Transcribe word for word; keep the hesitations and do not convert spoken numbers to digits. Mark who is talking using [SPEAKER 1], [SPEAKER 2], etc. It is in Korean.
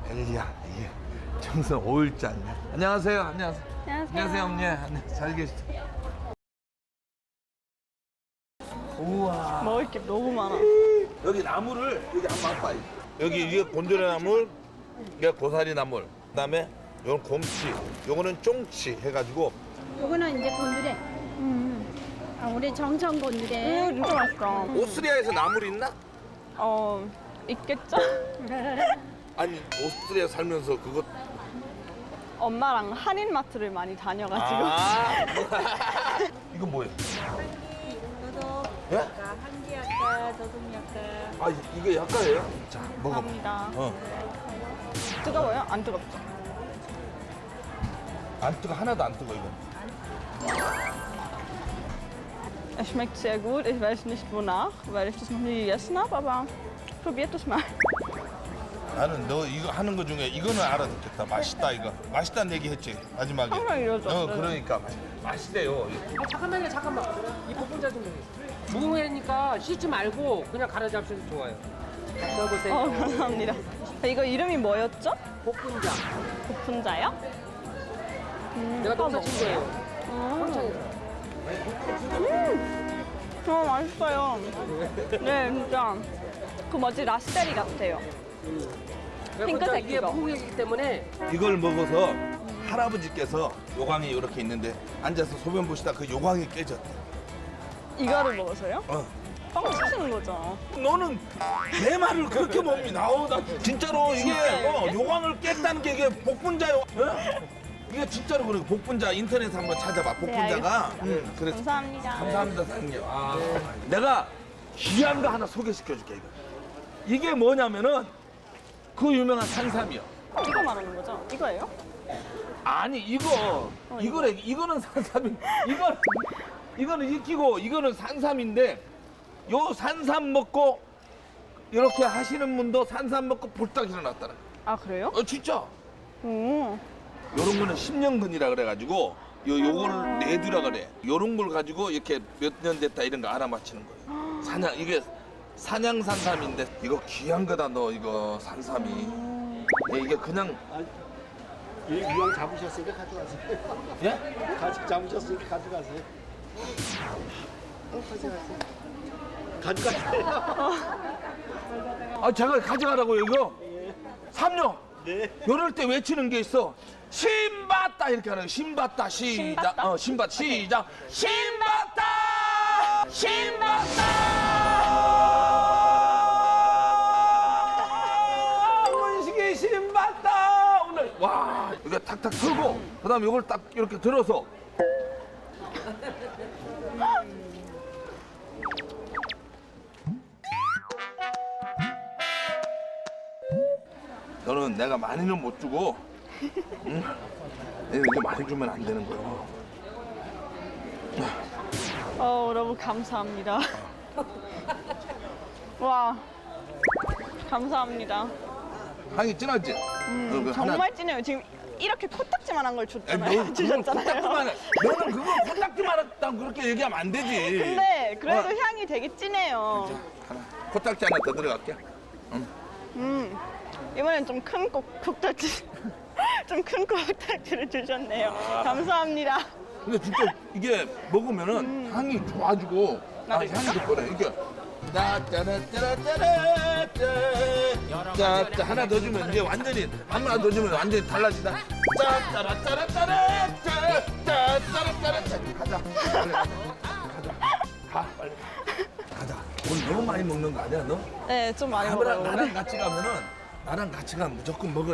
[SPEAKER 1] 엘리야, 이게 정선 오일잔. 안녕하세요. 안녕하세요.
[SPEAKER 2] 안녕하세요.
[SPEAKER 1] 안녕하세요, 어머니. 안녕, 잘 계시죠? 우와.
[SPEAKER 2] 먹을 게 너무 많아.
[SPEAKER 1] 여기 나물을 여기 한번 봐봐. 여기 이게 곤드레 나물, 이게 고사리 나물, 그다음에 요건 곰치, 요거는 쫑치 해가지고.
[SPEAKER 3] 요거는 이제 곤드레. 아, 우리 정청 곤드레.
[SPEAKER 2] 음, 진짜 맛있다.
[SPEAKER 1] 오스트리아에서 나물 있나?
[SPEAKER 2] 어, 있겠죠?
[SPEAKER 1] 아니 오스트리아 살면서 그거.
[SPEAKER 2] 엄마랑 한인마트를 많이 다녀가지고.
[SPEAKER 1] 아. 이건 뭐예요? 예?
[SPEAKER 3] 한기 약가, 저동 약가.
[SPEAKER 1] 아 이게 약가예요? 자 먹어.
[SPEAKER 2] 감사합니다.
[SPEAKER 1] 어.
[SPEAKER 2] 뜨거워요? 안 뜨겁죠?
[SPEAKER 1] 안 뜨거 하나도 안 뜨거 이거.
[SPEAKER 2] Es schmeckt sehr gut. Ich weiß nicht wonach, weil ich das noch nie gegessen habe, aber probiert es mal.
[SPEAKER 1] 나는 너 이거 하는 거 중에 이거는 알아듣겠다. 맛있다 이거. 맛있다는 얘기 했지 마지막에.
[SPEAKER 2] 항상 이러죠.
[SPEAKER 1] 어
[SPEAKER 2] 네.
[SPEAKER 1] 그러니까 맛있대요.
[SPEAKER 4] 아, 잠깐만요, 잠깐만. 이 볶음자 좀 무궁회니까 씻지 말고 그냥 갈아 잡수셔도 좋아요. 써보세요.
[SPEAKER 2] 어, 감사합니다. 이거 이름이 뭐였죠?
[SPEAKER 4] 볶음자.
[SPEAKER 2] 볶음자요? 음,
[SPEAKER 4] 내가
[SPEAKER 2] 한번
[SPEAKER 4] 농사 친 거예요.
[SPEAKER 2] 음,
[SPEAKER 4] 평창에서.
[SPEAKER 2] 어, 맛있어요. 네, 진짜. 그 뭐지, 라스베리 같아요. 핑크색
[SPEAKER 4] 이게
[SPEAKER 2] 그거.
[SPEAKER 4] 무궁회이기 때문에
[SPEAKER 1] 이걸 먹어서 할아버지께서 요강이 이렇게 있는데 앉아서 소변 보시다 그 요강이 깨졌대.
[SPEAKER 2] 이거를 먹어서요?
[SPEAKER 1] 어.
[SPEAKER 2] 빵 치시는 거죠?
[SPEAKER 1] 너는 내 말을 그렇게 몸이 나오다. 진짜로 이게 어, 요강을 깼다는 게 이게 복분자요. 어? 이게 진짜로 그래. 복분자 인터넷 한번 찾아봐. 복분자가.
[SPEAKER 2] 알겠습니다.
[SPEAKER 1] 응, 그래.
[SPEAKER 2] 감사합니다.
[SPEAKER 1] 감사합니다, 사장님. 아, 내가 귀한 거 하나 소개시켜 줄게, 이거. 이게 뭐냐면은 그 유명한 산삼이요.
[SPEAKER 2] 이거 말하는 거죠? 이거예요?
[SPEAKER 1] 아니, 이거, 이거래, 이거는 산삼이, 이건, 이거는 익히고, 이거는 산삼인데, 요 산삼 먹고, 이렇게 하시는 분도 산삼 먹고 볼딱 일어났다는.
[SPEAKER 2] 아, 그래요?
[SPEAKER 1] 어, 진짜.
[SPEAKER 2] 오.
[SPEAKER 1] 요런 거는 십년근이라 그래가지고, 요, 요걸 내두라 그래. 요런 걸 가지고 이렇게 몇 년 됐다 이런 거 알아맞히는 거예요. 사냥, 이게 사냥 산삼인데, 이거 귀한 거다, 너, 이거 산삼이. 예, 이게 그냥,
[SPEAKER 5] 이 유황 잡으셨으니까 가져가세요.
[SPEAKER 1] 예?
[SPEAKER 5] 가지 잡으셨으니까 가져가세요. 어, 가져가세요. 가져가세요.
[SPEAKER 1] 아, 제가 가져가라고요, 이거? 삼녀.
[SPEAKER 5] 네.
[SPEAKER 1] 이럴 때 외치는 게 있어. 신받다 이렇게 하는 거. 신받다 시작.
[SPEAKER 2] 신받다?
[SPEAKER 1] 어, 신받 시작. 신받다. 신받다. 문식이 신받다. 오늘 와 이게 탁탁 들고 그다음에 이걸 딱 이렇게 들어서. 너는 내가 많이는 못 주고, 응? 이렇게 많이 주면 안 되는 거야.
[SPEAKER 2] 어, 너무 감사합니다. 와, 감사합니다.
[SPEAKER 1] 향이 진하지?
[SPEAKER 2] 음,
[SPEAKER 1] 너 그 하나-
[SPEAKER 2] 정말 진해요. 지금 이렇게 코딱지만한 걸
[SPEAKER 1] 아니,
[SPEAKER 2] 줬잖아요.
[SPEAKER 1] 너 그건
[SPEAKER 2] 주셨잖아요.
[SPEAKER 1] 코딱지만 해. 너는 그거 코딱지만 했다고 그렇게 얘기하면 안 되지.
[SPEAKER 2] 근데 그래도
[SPEAKER 1] 어.
[SPEAKER 2] 향이 되게 진해요.
[SPEAKER 1] 하나, 코딱지 하나 더 들어갈게.
[SPEAKER 2] 음, 이번엔 좀 큰 코딱지, 좀 큰 코딱지를 주셨네요. 감사합니다.
[SPEAKER 1] 근데 진짜 이게 먹으면은 향이 좋아지고, 아,
[SPEAKER 2] 나도
[SPEAKER 1] 향이 좋거든. 이게. 짜짜라짜라짜라짜 짜짜 하나 더 주면 이제 완전히 하나 더 주면 완전히 달라진다. 짜짜라짜라짜라짜 짜짜라짜라짜 가자. 빨리 가자. 가자. 가 빨리. 가자. 오늘 너무 많이 먹는 거 아니야 너?
[SPEAKER 2] 네, 좀 많이
[SPEAKER 1] 나랑
[SPEAKER 2] 먹어요.
[SPEAKER 1] 나랑 같이 가면은 나랑 같이 가면 무조건 먹어.